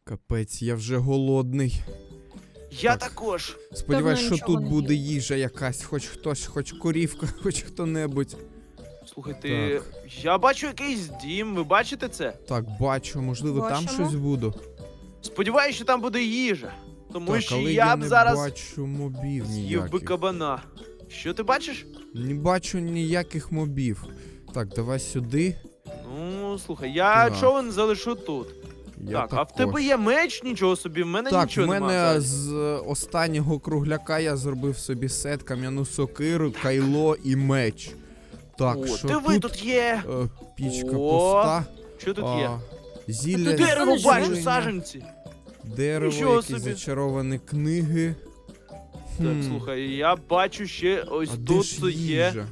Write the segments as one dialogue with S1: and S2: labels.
S1: Капець, я вже голодний.
S2: Я
S1: Так.
S2: також.
S1: Сподіваюсь,
S3: Давно
S1: що
S3: нічого
S1: тут
S3: не
S1: буде
S3: їв.
S1: їжа якась, хоч хтось, хоч корівка, хоч хто-небудь.
S2: Слухайте,
S1: Так.
S2: я бачу якийсь дім, ви бачите це?
S1: Так, бачу, можливо, там
S3: Бачимо.
S1: щось буде.
S2: Сподіваюсь, що там буде їжа. Тому
S1: Так,
S2: що
S1: але
S2: я б
S1: не
S2: зараз
S1: бачу мобів
S2: з'їв би
S1: ніяких.
S2: кабана. Що ти бачиш?
S1: Не бачу ніяких мобів. Так, давай сюди.
S2: Ну, слухай, я
S1: Так.
S2: човен залишу тут.
S1: Я
S2: так, а в
S1: також.
S2: тебе є меч? Нічого собі, в мене
S1: Так, в
S2: нічого
S1: мене
S2: немає.
S1: з останнього кругляка я зробив собі сет, кам'яну сокиру, кайло і меч. Так,
S2: О,
S1: що
S2: диви,
S1: тут?
S2: тут є.
S1: Пічка
S2: О,
S1: пуста.
S2: Що тут є?
S1: Зілля,
S3: Тут
S2: Дерево
S3: Нічого
S2: бачу,
S1: зілення,
S2: саджанці.
S1: дерево,
S2: Нічого
S1: якісь
S2: собі.
S1: зачаровані книги.
S2: Так,
S1: Хм,
S2: слухай, я бачу ще ось
S1: а де
S2: тут
S1: ж
S2: є.
S1: їжа?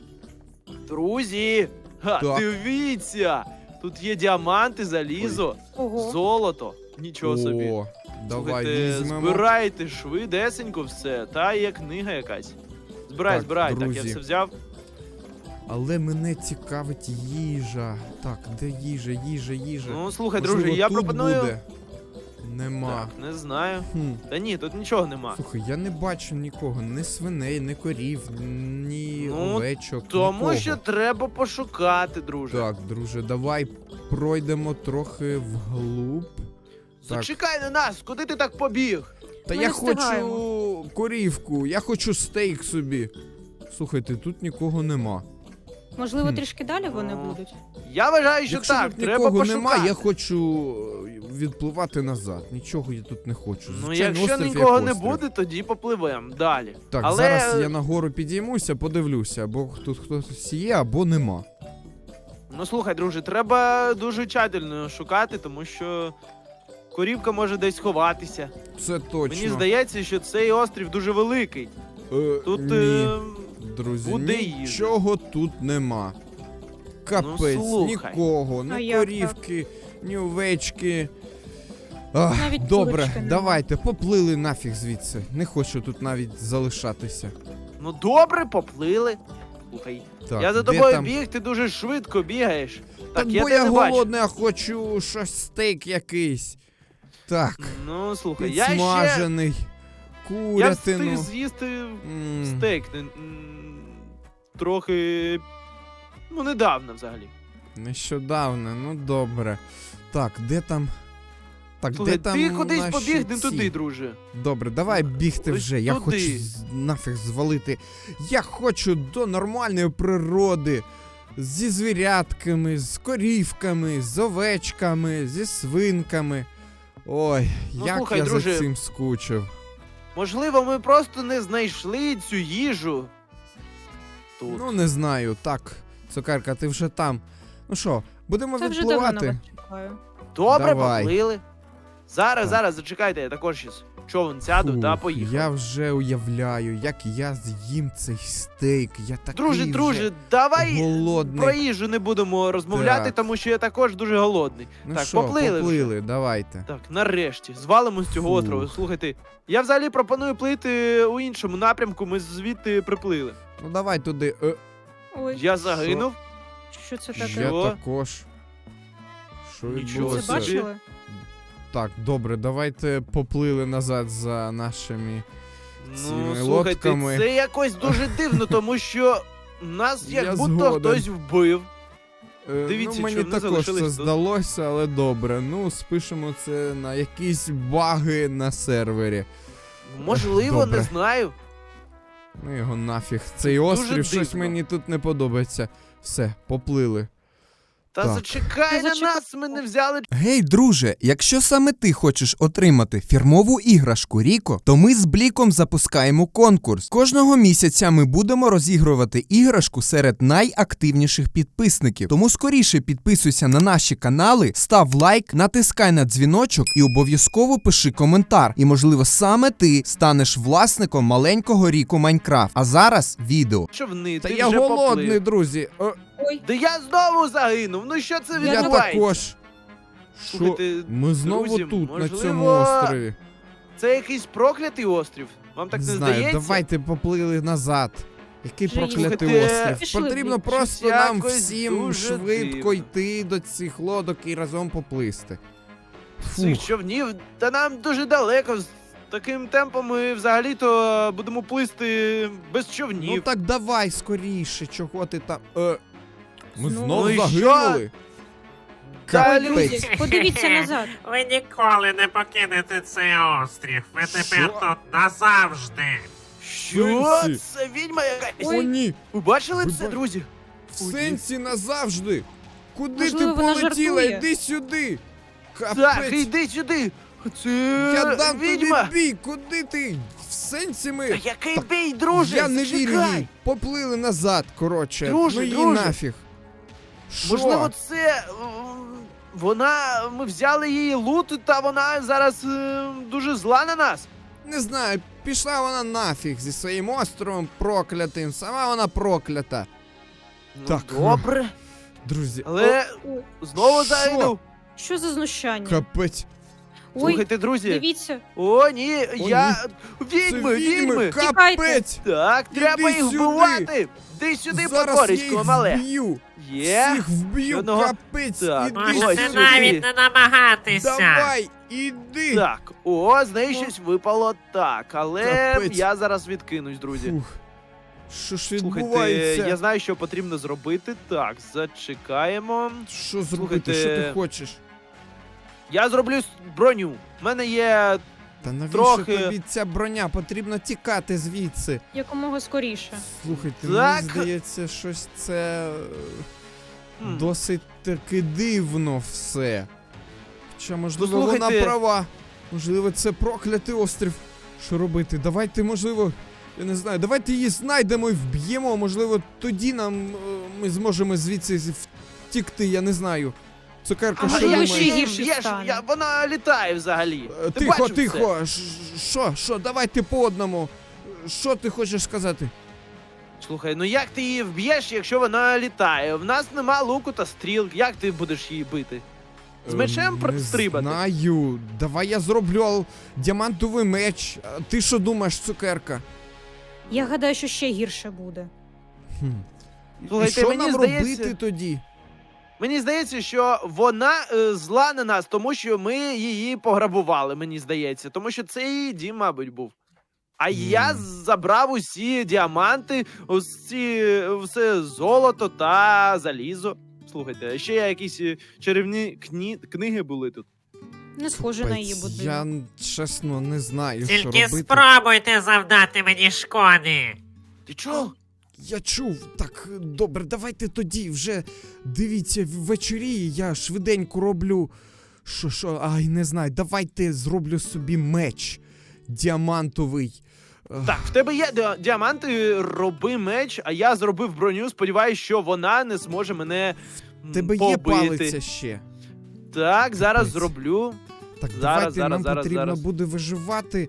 S2: Друзі! Ха,
S1: Так.
S2: дивіться! Тут є діаманти, залізо,
S3: Ого.
S2: золото. Нічого собі.
S1: О, давай
S2: Слухайте,
S1: візьмемо.
S2: збирайте швидесенько все. Та є книга якась. Збирай,
S1: Так,
S2: збирай. Так, я
S1: друзі.
S2: все взяв.
S1: Але мене цікавить їжа. Так, де їжа, їжа?
S2: Ну, слухай,
S1: Можливо,
S2: друже, я
S1: тут
S2: пропоную.
S1: буде? Нема.
S2: Так, не знаю.
S1: Хм.
S2: Та ні, тут нічого нема.
S1: Слухай, я не бачу нікого, ні свиней, ні корів, ні
S2: Ну,
S1: овечок,
S2: Тому
S1: нікого.
S2: що треба пошукати, друже.
S1: Так, друже, давай пройдемо трохи вглуб. Так.
S2: Зачекай на нас, куди ти так побіг?
S1: Та
S3: Ми
S1: я
S3: не встигаємо.
S1: хочу корівку, я хочу стейк собі. Слухайте, тут нікого нема.
S3: Можливо,
S1: Хм.
S3: трішки далі вони
S2: Ну,
S3: будуть.
S2: Я вважаю, що
S1: Якщо
S2: так,
S1: тут
S2: треба
S1: нікого
S2: пошукати.
S1: нема, я хочу відпливати назад. Нічого я тут не хочу.
S2: Ну,
S1: Звичайно,
S2: якщо
S1: острів як
S2: нікого не
S1: острів.
S2: буде, тоді попливемо далі.
S1: Так,
S2: Але
S1: зараз я нагору підіймуся, подивлюся, або тут хтось є, або нема.
S2: ну слухай, друже, треба дуже тщательно шукати, тому що корівка може десь ховатися.
S1: Це точно.
S2: Мені здається, що цей острів дуже великий. Тут
S1: Ні, друзі,
S2: буде їжа.
S1: нічого тут нема. Капець,
S2: слухай.
S1: нікого,
S3: А
S1: ні
S3: як
S1: корівки, ні овечки. Ах,
S3: Навіть
S1: добре,
S3: курочки нема.
S1: давайте, поплили нафіг звідси. Не хочу тут навіть залишатися.
S2: Ну добре, поплили. Слухай,
S1: Так,
S2: я за
S1: де
S2: тобою
S1: там?
S2: біг, ти дуже швидко бігаєш.
S1: Так,
S2: я
S1: бо
S2: тебе
S1: я
S2: не бачу.
S1: голодний, а хочу щось стейк якийсь. Так,
S2: Ну слухай, я
S1: підсмажений,
S2: встиг
S1: курятину.
S2: з'їсти
S1: М,
S2: стейк. Трохи. Ну, недавно взагалі.
S1: Нещодавно, ну добре. Так, де там. Так,
S2: Слухай,
S1: де там
S2: ти кудись
S1: наші
S2: побіг не
S1: ці?
S2: туди, друже.
S1: Добре, давай бігти
S2: Ось
S1: вже. Я
S2: туди.
S1: хочу нафіг звалити. Я хочу до нормальної природи. Зі звірятками, з корівками, з овечками, зі свинками. Ой,
S2: Ну,
S1: як
S2: слухай,
S1: я
S2: друже,
S1: за цим скучив.
S2: Можливо, ми просто не знайшли цю їжу. Тут.
S1: Ну, не знаю. Так, цукерка, ти вже там. Ну що, будемо
S3: Це вже давно на
S1: відпливати?
S3: вас чекаю.
S2: Добре,
S1: давай.
S2: поплили. Зараз,
S1: Так.
S2: зараз, зачекайте, я також щас човен сяду та
S1: Фух,
S2: поїхав.
S1: Я вже уявляю, як я з'їм цей стейк. Я такий вже
S2: Друже, давай
S1: голодний.
S2: про їжу не будемо розмовляти,
S1: Так.
S2: тому що я також дуже голодний.
S1: Ну
S2: так,
S1: що,
S2: поплили вже.
S1: давайте.
S2: Так, нарешті, звалимо з цього
S1: Фух.
S2: острову. Слухайте, я взагалі пропоную плити у іншому напрямку, ми звідти приплили.
S1: Ну давай туди.
S3: Ой,
S2: Я загинув.
S3: що це
S1: Я
S3: таке?
S2: Що?
S1: також. Що
S2: Нічого
S3: Це
S1: відбулося?
S2: собі.
S3: бачили?
S1: Так, добре, давайте поплили назад за нашими.
S2: Ну,
S1: Цими
S2: слухайте,
S1: лодками.
S2: це якось дуже дивно, тому що нас
S1: Я
S2: як будто
S1: згоден.
S2: хтось вбив. Дивіться,
S1: ну, мені
S2: що вони
S1: також це
S2: залишились тут.
S1: здалося, але добре. Ну, спишемо це на якісь баги на сервері.
S2: Можливо,
S1: Добре.
S2: не знаю.
S1: Ну його нафіг. Цей
S2: Дуже
S1: острів щось
S2: дивно.
S1: мені тут не подобається. Все, поплили.
S2: Та
S1: Так.
S2: зачекай
S3: Ти
S2: на
S3: зачекай.
S2: нас, ми не взяли.
S4: Гей, друже, якщо саме ти хочеш отримати фірмову іграшку Ріко, то ми з Бліком запускаємо конкурс. Кожного місяця ми будемо розігрувати іграшку серед найактивніших підписників. Тому скоріше підписуйся на наші канали, став лайк, натискай на дзвіночок і обов'язково пиши коментар. І, можливо, саме ти станеш власником маленького Ріко Майнкрафт. А зараз відео.
S2: Човни,
S1: Та
S2: ти
S1: я
S2: вже
S1: голодний,
S2: поплив.
S1: друзі.
S3: Ой,
S2: Да я знову загинув. Ну що це
S1: Я
S2: відбувається?
S1: також. Що?
S2: Слухайте,
S1: Ми знову
S2: друзі,
S1: тут, на
S2: можливо,
S1: цьому острові.
S2: Це якийсь проклятий острів. Вам так не
S1: знаю,
S2: здається?
S1: давайте поплили назад. Який
S3: Вже
S1: проклятий
S2: їхати.
S1: острів.
S3: Пішли,
S1: Потрібно
S3: Блік.
S1: просто
S2: Щось
S1: нам
S2: якось
S1: всім
S2: дуже
S1: швидко
S2: дивно.
S1: йти до цих лодок і разом поплисти.
S2: цих човнів, та нам дуже далеко. З таким темпом ми взагалі-то будемо плисти без човнів.
S1: Ну так давай скоріше, чого ти там. Ми
S3: Знову?
S1: знову
S2: Ну і
S1: загинули?
S2: Та,
S3: Ой, друзі, подивіться назад.
S5: Ви ніколи не покинете цей острів. Ви тепер
S1: Що?
S5: тут назавжди.
S2: Що?
S1: Сенсі?
S2: Це відьма якась?
S1: О, ні!
S2: Ви бачили
S1: Ви
S2: це,
S1: ба-
S2: друзі?
S1: В сенсі назавжди! Куди
S3: Можливо,
S1: ти
S3: вона
S1: полетіла?
S3: жартує.
S1: Іди сюди!
S2: Так,
S1: Капець!
S2: йди сюди. Це
S1: Я дам
S2: відьма.
S1: тобі бій! Куди ти? В сенсі
S2: Та
S1: ми.
S2: який
S1: Так,
S2: бій, друже?
S1: Я не вірю
S2: Зачекай.
S1: їй! Поплили назад, коротше.
S2: Друже,
S1: ну її
S2: друже.
S1: нафіг. Що?
S2: Можливо, це ми взяли її лут, та вона зараз дуже зла на нас.
S1: Не знаю, пішла вона нафіг зі своїм островом проклятим. Сама вона проклята.
S2: Ну,
S1: Так.
S2: добре,
S1: Друзі,
S2: але
S3: Ой,
S2: знову
S1: Що?
S2: зайду.
S3: що за знущання?
S1: капець.
S3: Ой,
S2: Слухайте, друзі.
S3: дивіться.
S2: О, ні, я...
S1: Це
S2: Відьми, відьми.
S1: Капець!
S2: Так, треба
S1: Іди
S2: їх
S1: сюди.
S2: вбивати. Ти сюди,
S1: Зараз я
S2: потворисько
S1: їх
S2: мале.
S1: вб'ю.
S2: Є.
S1: Всіх вб'ю,
S2: Одного.
S1: капець.
S2: Так.
S1: Іди
S2: Ось
S5: Можете
S2: сюди.
S5: навіть не намагатися.
S1: Давай, іди.
S2: Так, о, з неї щось випало так, але
S1: Капець.
S2: я зараз відкинусь, друзі.
S1: Фух. Що ж
S2: Слухайте,
S1: відбувається?
S2: я знаю, що потрібно зробити. Так, зачекаємо.
S1: Що зробити?
S2: Слухайте,
S1: Що ти хочеш?
S2: Я зроблю броню. У мене є.
S1: Та навіщо
S2: трохи-
S1: тобі ця броня? Потрібно тікати звідси.
S3: Якомога скоріше.
S1: Слухайте,
S2: Так.
S1: мені здається, щось це
S2: М.
S1: досить таки дивно все. Хоча, можливо,
S2: Послухайте.
S1: вона права. Можливо, це проклятий острів. Що робити? Давайте, можливо, я не знаю, давайте її знайдемо і вб'ємо. Можливо, тоді ми зможемо звідси втікти, я не знаю. Цукерка,
S2: А
S1: що
S3: може, я
S1: думаєш?
S3: ще гірше стане.
S2: Вона літає взагалі. Ти
S1: Тихо,
S2: бачив
S1: тихо. Що? Давайте по одному. Що ти хочеш сказати?
S2: це? Слухай, ну як ти її вб'єш, якщо вона літає? В нас нема луку та стріл. Як ти будеш її бити? З мечем стрибати?
S1: Не знаю. Давай я зроблю діамантовий меч. А ти що думаєш, цукерка?
S3: Я гадаю, що ще гірше буде.
S1: Хм.
S2: Слухайте,
S1: І що
S2: мені
S1: нам
S2: здається-
S1: робити тоді?
S2: Мені здається, що вона зла на нас, тому що ми її пограбували, мені здається. Тому що це її дім, мабуть, був. А я забрав усі діаманти, все золото та залізо. Слухайте, ще якісь чарівні книги були тут.
S3: Не схоже на її
S1: Капець,
S3: будинок.
S1: Я чесно не знаю, що
S5: Тільки
S1: робити.
S5: спробуйте завдати мені шкоди.
S2: Ти чого?
S1: Я чув. Так, добре, давайте тоді вже дивіться ввечері, я швиденько роблю. Що? Ай, не знаю. Давайте зроблю собі меч діамантовий.
S2: Так, в тебе є діаманти, роби меч, а я зробив броню. Сподіваюсь, що вона не зможе мене
S1: Тебе
S2: побити.
S1: є палиця ще.
S2: Так, зараз
S1: Капець.
S2: зроблю.
S1: Так,
S2: Зараз,
S1: давайте
S2: зараз,
S1: нам
S2: зараз,
S1: потрібно
S2: зараз.
S1: буде виживати.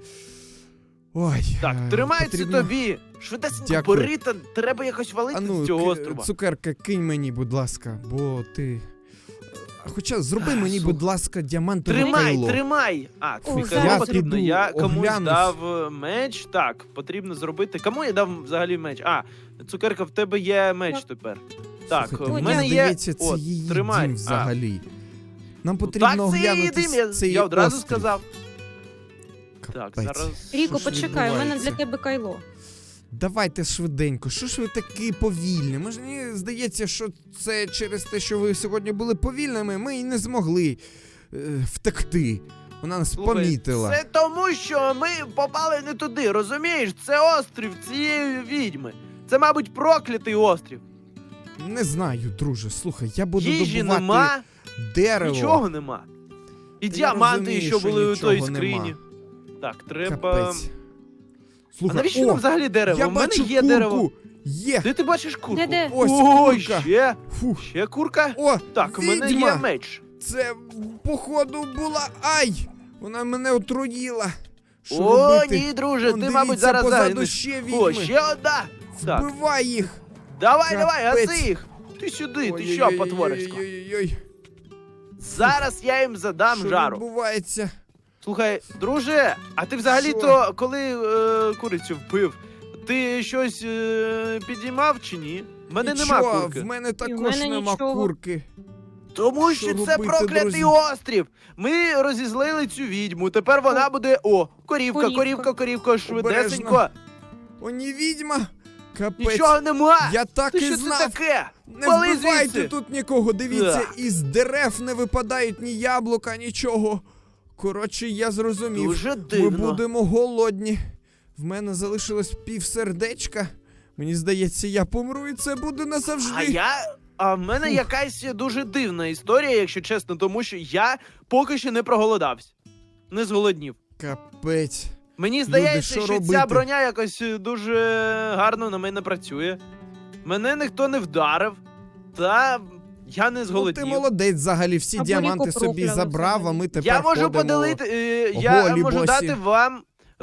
S1: Ой.
S2: Так, тримай
S1: потрібно...
S2: це тобі. Швидесенько
S1: Дякую.
S2: бери, та треба якось валити
S1: А ну,
S2: з цього острова.
S1: цукерка, кинь мені, будь ласка, бо ти. Хоча зроби мені,
S2: слухай.
S1: будь ласка, діамантове
S2: Тримай,
S1: кайло.
S2: тримай! А,
S3: Ой,
S2: це
S3: зараз
S2: потрібно.
S1: піду,
S2: Я комусь
S1: оглянусь.
S2: дав меч. Так, потрібно зробити. Кому я дав взагалі меч? А, цукерка, в тебе є меч
S3: Так.
S2: тепер. Так,
S1: Слухайте,
S2: в
S3: Ой,
S2: мене
S1: мені
S2: є.
S1: здається, це
S2: От,
S1: її
S2: тримай.
S1: дім
S2: А,
S1: взагалі. Нам
S2: ну,
S1: потрібно
S2: так, це її
S1: оглянути
S2: дим,
S1: цей
S2: я одразу
S1: острів.
S2: сказав.
S1: Капець.
S2: Так, зараз.
S3: Ріко,
S1: Що ж
S3: почекай, у мене
S1: відбувається?
S3: для тебе кайло.
S1: Давайте швиденько. Що ж ви такі повільні? Мені здається, що це через те, що ви сьогодні були повільними, ми і не змогли втекти. Вона нас
S2: Слухай,
S1: помітила.
S2: Це тому, що ми попали не туди, розумієш? Це острів цієї відьми. Це, мабуть, проклятий острів.
S1: Не знаю, друже. Слухай, я буду
S2: Їжі
S1: добувати
S2: нема,
S1: дерево.
S2: нічого нема. І
S1: Та я
S2: діаманти,
S1: розумію,
S2: що
S1: що
S2: були у той
S1: нічого
S2: скрині.
S1: нема.
S2: Так, треба.
S1: Капець.
S2: А
S1: Слухай,
S2: навіщо нам взагалі дерево?
S1: я
S2: У мене
S1: бачу
S2: є
S1: курку.
S2: дерево.
S1: Є.
S2: Де ти бачиш курку?
S3: Де?
S1: Ось
S2: Ой,
S1: курка.
S2: ще
S1: Фух.
S2: ще курка.
S1: О,
S2: Так, у мене
S1: відьма.
S2: є меч.
S1: Це, походу, була. Ай! Вона мене отруїла. Що
S2: О,
S1: робити?
S2: ні, друже,
S1: Вон,
S2: ти, мабуть,
S1: дивіться,
S2: зараз
S1: позаду
S2: загинеш.
S1: ще
S2: О,
S1: відьми.
S2: ще одна. Так,
S1: Вбивай їх.
S2: давай,
S1: Капець.
S2: гаси їх. Ти сюди, ти
S1: Ой-ой-ой-ой-ой-ой-ой.
S2: що, потворисько?
S1: Ой-ой-ой.
S2: Зараз я їм задам
S1: Що
S2: жару.
S1: відбувається?
S2: Слухай, друже, а ти взагалі-то, коли курицю вбив, ти щось підіймав чи ні? В мене нема
S1: Нічого,
S2: курки.
S1: в мене також
S3: мене
S1: нема
S3: нічого.
S1: курки.
S2: Тому
S1: Що
S2: що це
S1: робити,
S2: проклятий
S1: друзі?
S2: острів. Ми розізлили цю відьму. Тепер вона буде. О, корівка, швидесенько.
S1: О, ні, відьма! Капець.
S2: Нічого нема.
S1: Я так
S2: Ти
S1: і
S2: що
S1: знав.
S2: це таке?
S1: Не
S2: Вали
S1: вбивайте
S2: звідси.
S1: тут нікого, дивіться,
S2: Так.
S1: із дерев не випадають ні яблука, нічого. Коротше, я зрозумів.
S2: Дуже
S1: Ми
S2: дивно.
S1: будемо голодні. В мене залишилось півсердечка. Мені здається, я помру і це буде назавжди.
S2: А в мене
S1: Фух.
S2: якась дуже дивна історія, якщо чесно, тому що я поки що не проголодався. Не зголоднів.
S1: Капець.
S2: Мені здається,
S1: що
S2: що
S1: робити?
S2: ця броня якось дуже гарно на мене працює. Мене ніхто не вдарив, та я не
S1: Ну,
S2: зголоднів.
S1: ти молодець взагалі, всі
S3: Або
S1: діаманти
S3: Ріко
S1: собі
S3: прокляли
S1: забрав, а
S3: взагалі.
S1: ми тепер
S2: Я можу
S1: ходимо.
S2: поділити, я
S1: голі
S2: можу
S1: босі.
S2: дати вам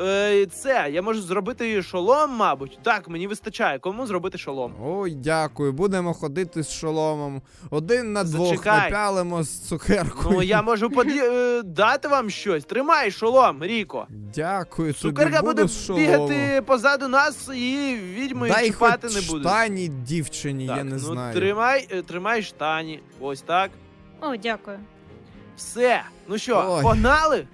S2: це. Я можу зробити шолом, мабуть. Так, мені вистачає. Кому зробити шолом?
S1: Ой, дякую, будемо ходити з шоломом. Один на двох
S2: Зачекай.
S1: напялимо з цукеркою.
S2: Ну, я можу дати вам щось. Тримай шолом, Ріко.
S1: Дякую, тобі
S2: Цукерка
S1: буду
S2: буде
S1: з шоломом.
S2: бігати позаду нас і відьмою
S1: Дай
S2: чіпати
S1: хоч
S2: не буде.
S1: штані дівчині,
S2: Так,
S1: я не
S2: ну,
S1: знаю.
S2: тримай штані. Ось так.
S3: О, дякую.
S2: Все. Ну що,
S1: Ой.
S2: погнали?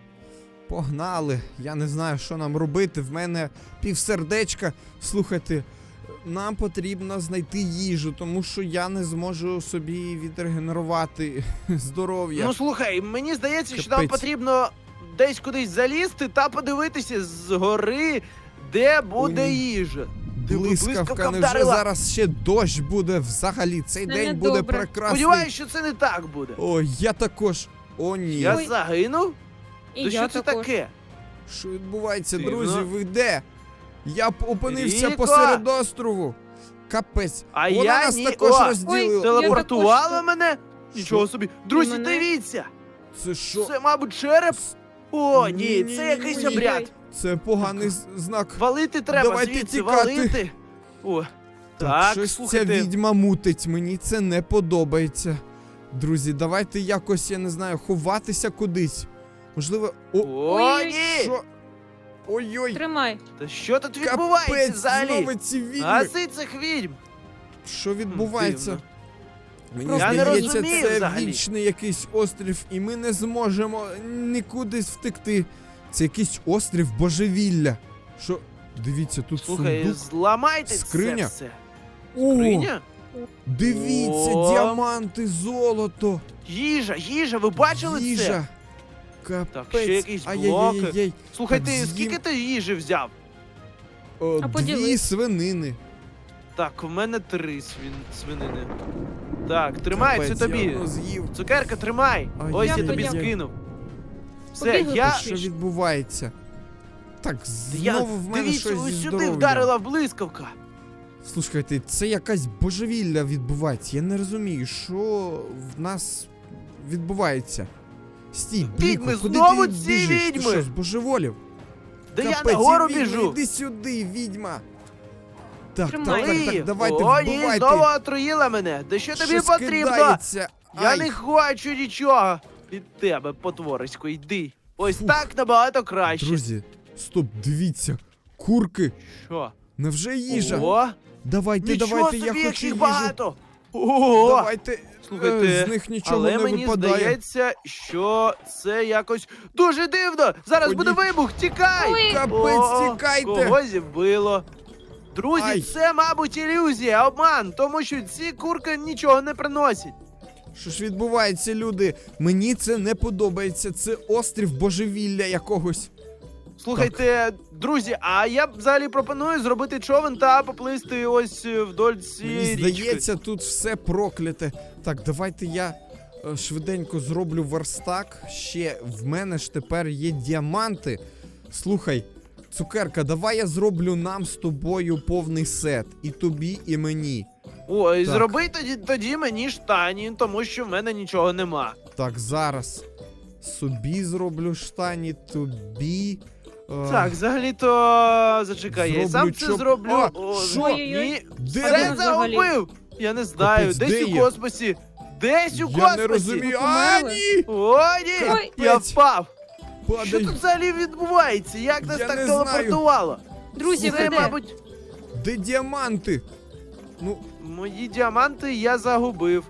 S1: Погнали. Я не знаю, що нам робити. В мене півсердечка. Слухайте, нам потрібно знайти їжу, тому що я не зможу собі відрегенерувати здоров'я.
S2: Ну слухай, мені здається, що нам
S1: Капець.
S2: потрібно десь кудись залізти та подивитися згори, де буде
S1: Ой,
S2: їжа.
S1: Блискавка, невже
S2: вдарила.
S1: зараз ще дощ буде взагалі? Цей
S3: Це
S1: день буде
S3: недобре.
S1: прекрасний.
S2: Сподіваюсь, що це не так буде.
S1: Ой, я також. О, ні.
S2: Я
S3: Ой.
S2: загинув?
S3: І
S2: То
S3: я
S2: що це
S3: також.
S2: таке?
S1: Що відбувається,
S2: Дивно.
S1: друзі? Ви де? Я опинився
S2: Ріко!
S1: посеред острову. Капець.
S2: А
S1: Вона
S2: я
S1: нас
S2: ні.
S1: також
S2: О,
S1: розділила.
S2: телепортувала
S3: також.
S2: мене? Нічого собі. Друзі,
S3: мене?
S2: дивіться!
S1: Це що?
S2: Це, мабуть, череп? О, ні,
S1: Ні-ні-ні-ні.
S2: це якийсь
S3: Ой-ой-ой.
S2: обряд.
S1: Це поганий знак.
S2: Валити треба
S1: Давайте
S2: звідси,
S1: тікати.
S2: валити. О,
S1: Так,
S2: так,
S1: щось ця
S2: слухайте.
S1: відьма мутить, мені це не подобається. Друзі, давайте якось, я не знаю, ховатися кудись. Можливо. О,
S2: О,
S3: Ой-ой.
S2: ні!
S1: що? Ой-ой,
S3: Тримай.
S2: Та що тут відбувається
S1: капець,
S2: взагалі?
S1: знову ці відьми.
S2: Гаси цих відьм!
S1: Що відбувається?
S2: Дивно.
S1: Мені
S2: Я не
S1: здається,
S2: розумію
S1: це
S2: взагалі.
S1: вічний якийсь острів, і ми не зможемо нікуди втекти. Це якийсь острів божевілля. Що? Дивіться, тут
S2: Слухай,
S1: сундук.
S2: зламайте
S1: Скриня?
S2: це все.
S1: О,
S2: Скриня?
S1: дивіться,
S2: О.
S1: діаманти, золото,
S2: Їжа, ви бачили це?
S1: їжа. Капець.
S2: Так, ще якісь
S1: Ай-яй-яй-яй.
S2: Слухай,
S1: Так,
S2: ти
S1: з'їм.
S2: скільки ти їжі взяв?
S1: О,
S3: А
S1: 2
S3: поділись.
S1: свинини.
S2: Так, в мене 3 свинини. Так, тримай,
S1: Капець,
S2: це
S1: я
S2: тобі.
S1: одну з'їв.
S2: Цукерка, тримай.
S1: Ай,
S2: Ось я
S3: дякую,
S2: тобі
S3: дякую.
S2: скинув. Все,
S3: Побігли
S2: я.
S3: пошвидше.
S1: Що відбувається? Так, знову в мене
S2: Дивіться,
S1: щось зі
S2: ось сюди
S1: здоров'ям.
S2: вдарила блискавка.
S1: Слухайте, це якась божевілля відбувається. Я не розумію, що в нас відбувається. Стій, Бліко,
S2: Відьми,
S1: куди
S2: знову
S1: ти
S2: ці
S1: біжиш? Ти
S2: відьми!
S1: що, збожеволів?
S2: Да я
S1: Капець,
S2: нагору
S1: і відьми,
S2: біжу.
S1: Іди сюди, відьма. Так,
S3: Тримай.
S1: так, давайте,
S2: О, ні,
S1: вбивайте.
S2: знову отруїла мене. Да що тобі
S1: Щось
S2: потрібно?
S1: кидається.
S2: Я
S1: Ай,
S2: не хочу нічого від тебе, потворисько, йди. Ось так набагато краще.
S1: Друзі, стоп, дивіться. Курки,
S2: Що?
S1: невже їжа?
S2: О,
S1: Давайте,
S2: нічого
S1: давайте,
S2: собі,
S1: я хочу
S2: яких
S1: їжу.
S2: багато. Ого!
S1: Давайте,
S2: Слухайте,
S1: з них нічого
S2: але
S1: не
S2: мені
S1: випадає.
S2: здається, що це якось дуже дивно. Зараз
S1: О,
S2: буде
S1: ні.
S2: вибух, тікай!
S3: Ой.
S1: Капець, тікайте!
S2: Когось вбило. Друзі,
S1: Ай.
S2: це, мабуть, ілюзія, обман, тому що ці курки нічого не приносять.
S1: Що ж відбувається, люди? Мені це не подобається. Це острів божевілля якогось.
S2: Слухайте, друзі, а я взагалі пропоную зробити човен та поплисти ось вдоль
S1: Мені
S2: цієї річки.
S1: здається, тут все прокляте. Так, давайте я швиденько зроблю верстак. Ще в мене ж тепер є діаманти. Слухай, цукерка, давай я зроблю нам з тобою повний сет. І тобі, і мені.
S2: Ой,
S1: Так.
S2: зроби тоді мені штані, тому що в мене нічого нема.
S1: Так, зараз. Собі зроблю штані, тобі.
S2: Так, взагалі-то зачекай, я і
S1: Зроблю
S2: сам це
S1: чоп-
S2: зроблю.
S1: А,
S2: О,
S1: що?
S3: Ой-ой-ой.
S2: Ні,
S1: Де
S2: все
S1: ви?
S2: загубив. Я не знаю,
S1: Капець,
S2: десь
S1: де
S2: у
S1: я?
S2: космосі. Десь у
S1: Я
S2: космосі.
S1: не розумію.
S3: Ви
S1: А,
S3: померли?
S1: ні!
S2: О, ні,
S1: Капець.
S2: я впав. Що
S1: Падай.
S2: тут взагалі відбувається? Як нас
S1: Я
S2: так
S1: не знаю.
S2: телепортувало?
S3: Друзі,
S2: Це,
S3: ви де?
S2: мабуть,
S1: Де діаманти? Ну,
S2: мої діаманти я загубив.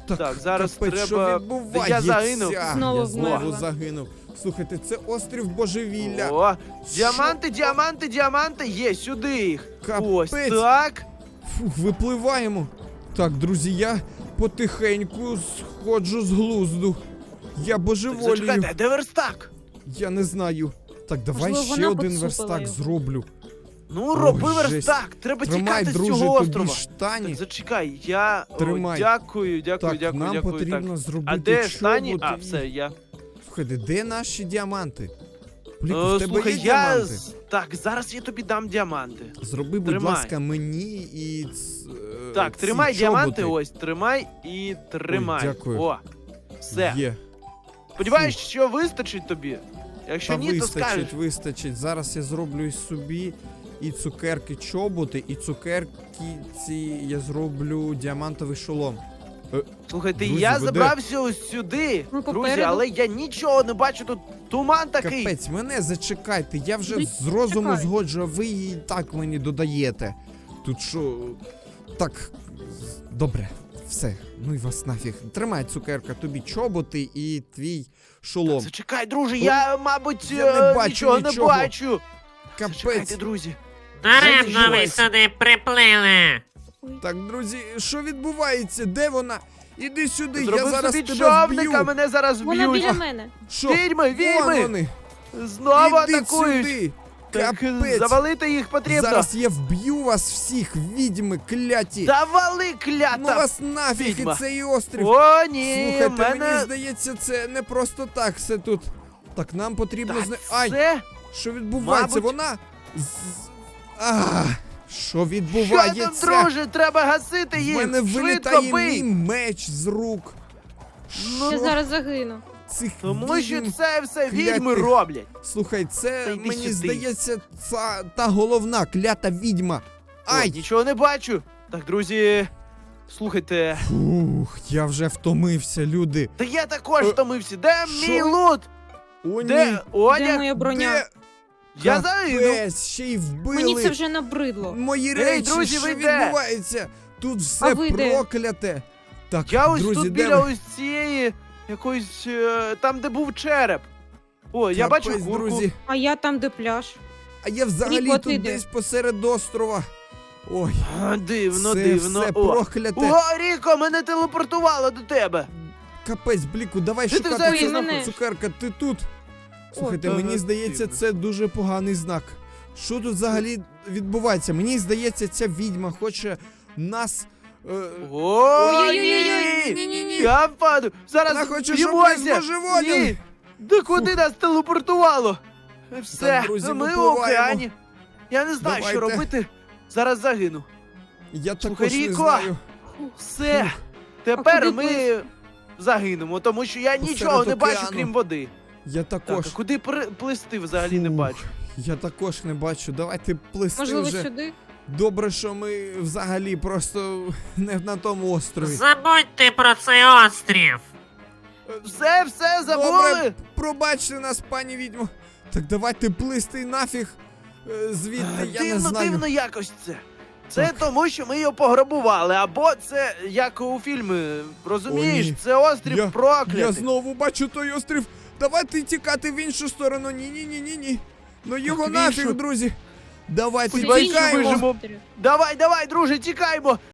S2: Так, зараз
S1: капець, що
S2: треба.
S1: відбувається?
S2: Я загинув.
S3: Знову
S1: Я знову
S3: вмерла.
S1: загинув. Слухайте, це острів божевілля.
S2: О, діаманти, є, сюди їх. Ось
S1: Капець.
S2: так.
S1: Фух, випливаємо. Так, друзі, я потихеньку сходжу з глузду. Я божеволію.
S2: Зачекайте, де верстак?
S1: Я не знаю. Так, давай
S3: Можливо,
S1: ще
S3: вона
S1: один
S3: поцупила
S1: верстак
S3: його.
S1: зроблю.
S2: Ну, роби
S1: жесть.
S2: верстак, треба
S1: Тримай,
S2: тікати з
S1: друже,
S2: цього
S1: тобі
S2: острова.
S1: штані.
S2: Так, зачекай, я
S1: Тримай.
S2: дякую.
S1: Так, нам
S2: дякую.
S1: потрібно
S2: Так.
S1: зробити
S2: А де штані?
S1: чоботи
S2: А,
S1: і-
S2: все, я.
S1: Слухайте, де наші діаманти? Бліку, в тебе
S2: Слухай,
S1: є
S2: я.
S1: діаманти?
S2: Так, зараз я тобі дам діаманти.
S1: Зроби, будь
S2: Тримай.
S1: ласка, мені і
S2: Так,
S1: ці
S2: тримай діаманти,
S1: чоботи.
S2: ось, тримай і тримай.
S1: дякую.
S2: О, все.
S1: Є.
S2: Сподіваюсь, що вистачить тобі. Якщо
S1: Та
S2: ні, то скажеш.
S1: вистачить. Зараз я зроблю і собі і цукерки чоботи, і цукерки ці я зроблю діамантовий шолом.
S2: Слухайте,
S1: Друзі,
S2: я
S1: ви де?
S2: забрався ось сюди,
S3: Ми
S2: друзі,
S3: попереду.
S2: але я нічого не бачу, тут туман такий.
S1: Капець, мене зачекайте, я вже
S3: Ну,
S1: з розуму
S3: чекай.
S1: згоджу, а ви і так мені додаєте. Тут що. Так. Добре, все. Ну і вас нафіг. Тримай, цукерка, тобі чоботи і твій шолом.
S2: Зачекай, друже, я, мабуть,
S1: Я не бачу
S2: нічого
S1: нічого.
S2: не бачу.
S1: Капець.
S2: Зачекайте, друзі.
S5: Даремно ви
S2: Зайдіть.
S5: сюди приплили.
S1: Так, друзі, що відбувається? Де вона? Іди сюди, я
S2: Зробив
S1: зараз
S2: собі
S1: тебе
S2: човника,
S1: вб'ю.
S2: мене зараз
S3: Вона
S2: вб'ють.
S3: біля мене.
S1: Що?
S2: Відьми, відьми!
S1: Вон вони.
S2: Знову
S1: Іди
S2: атакують.
S1: сюди.
S2: Так,
S1: Капець.
S2: завалити їх потрібно.
S1: Зараз я вб'ю вас всіх, відьми, кляті.
S2: Завали,
S1: Ну
S2: клята!
S1: вас нафіг
S2: відьма.
S1: і цей острів.
S2: О, ні,
S1: Слухайте,
S2: мене...
S1: мені здається, це не просто так все тут. Так, нам потрібно
S2: Так,
S1: Ай,
S2: це...
S1: що відбувається?
S2: мабуть-
S1: Вона. Що
S2: Що
S1: відбувається?
S2: там, друже? Треба гасити
S1: В
S2: їх!
S1: мене
S2: Швидко
S1: вилітає мій
S2: бий!
S1: меч з рук.
S3: Я
S1: Що?
S3: зараз загину.
S1: Цих
S2: Тому що
S1: відьм?
S2: це все
S1: клятих.
S2: відьми роблять.
S1: Слухай,
S2: Та
S1: це
S2: йди
S1: мені
S2: сюди.
S1: здається, та головна клята відьма. Ай!
S2: О, нічого не бачу. Так, друзі, слухайте.
S1: Фух, я вже втомився, люди.
S2: Та я також
S1: Е,
S2: втомився. Де
S1: що?
S2: мій лут?
S1: О, ні.
S2: Де одяг?
S3: Де моя броня?
S1: Де?
S2: Я загину.
S1: Капець, ще й вбили.
S3: Мені це вже набридло.
S1: Мої
S2: Ей,
S1: речі,
S2: друзі,
S1: що
S2: ви де?
S1: відбувається? Тут все
S3: А ви де?
S1: прокляте. Так,
S2: Я ось
S1: друзі,
S2: тут
S1: де
S2: біля
S1: ви?
S2: ось цієї якоїсь там, де був череп. О, я бачу
S1: Капець,
S2: курку.
S1: друзі.
S3: А я там, де пляж.
S1: А я взагалі
S3: Ріко,
S1: тут
S3: ти де?
S1: десь посеред острова. Ой,
S2: А, дивно,
S1: це
S2: дивно.
S1: все
S2: О.
S1: прокляте.
S2: О, Ріко, мене телепортувало до тебе.
S1: Капець, Бліку, давай
S2: Де ти
S1: шукати
S2: взагалі
S1: цю
S3: знаходиш?
S1: цукерка, ти тут. Слухайте,
S2: О,
S1: мені
S2: ага,
S1: здається,
S2: дивно.
S1: це дуже поганий знак. Що тут взагалі відбувається? Мені здається, ця відьма хоче нас.
S2: Ой-ой-ой,
S1: Ні-ні-ні.
S2: я впаду. Зараз
S1: Вона хоче, щоб ми
S2: б'ємося.
S1: збожеволіли.
S2: Ні. Да куди нас телепортувало? Все,
S1: Так, друзі,
S2: ми в
S1: випливаємо.
S2: океані. Я не знаю, що
S1: Давайте.
S2: робити. Зараз загину.
S1: Я
S2: Слухай,
S1: також не
S2: Ріко.
S1: знаю.
S2: Все.
S1: Фух.
S2: Тепер
S3: куди
S2: ми загинемо, тому що я
S1: Посеред
S2: нічого не бачу,
S1: океану.
S2: крім води.
S1: Я
S2: Так,
S1: також.
S2: а куди плисти взагалі не
S1: Фух,
S2: бачу.
S1: Я також не бачу. Давайте плисти
S3: Можливо,
S1: вже.
S3: сюди?
S1: Добре, що ми взагалі просто не на тому острові.
S5: Забудьте про цей острів.
S2: Все, забули.
S1: Добре, пробачте нас, пані відьмо. Так давайте плисти нафіг звідти, я не знаю.
S2: Дивно якось це. Це
S1: Так.
S2: тому, що ми його пограбували, або це як у фільмі, розумієш?
S1: О, ні.
S2: Це острів
S1: Я
S2: проклятий.
S1: знову бачу той острів. Давайте тікати в іншу сторону. Ні. Ну його
S2: в
S1: нафіг,
S2: іншу?
S1: друзі. Давайте
S2: Сподіваюсь, що
S1: тікаємо.
S2: виживемо. Давай, друже, тікаймо.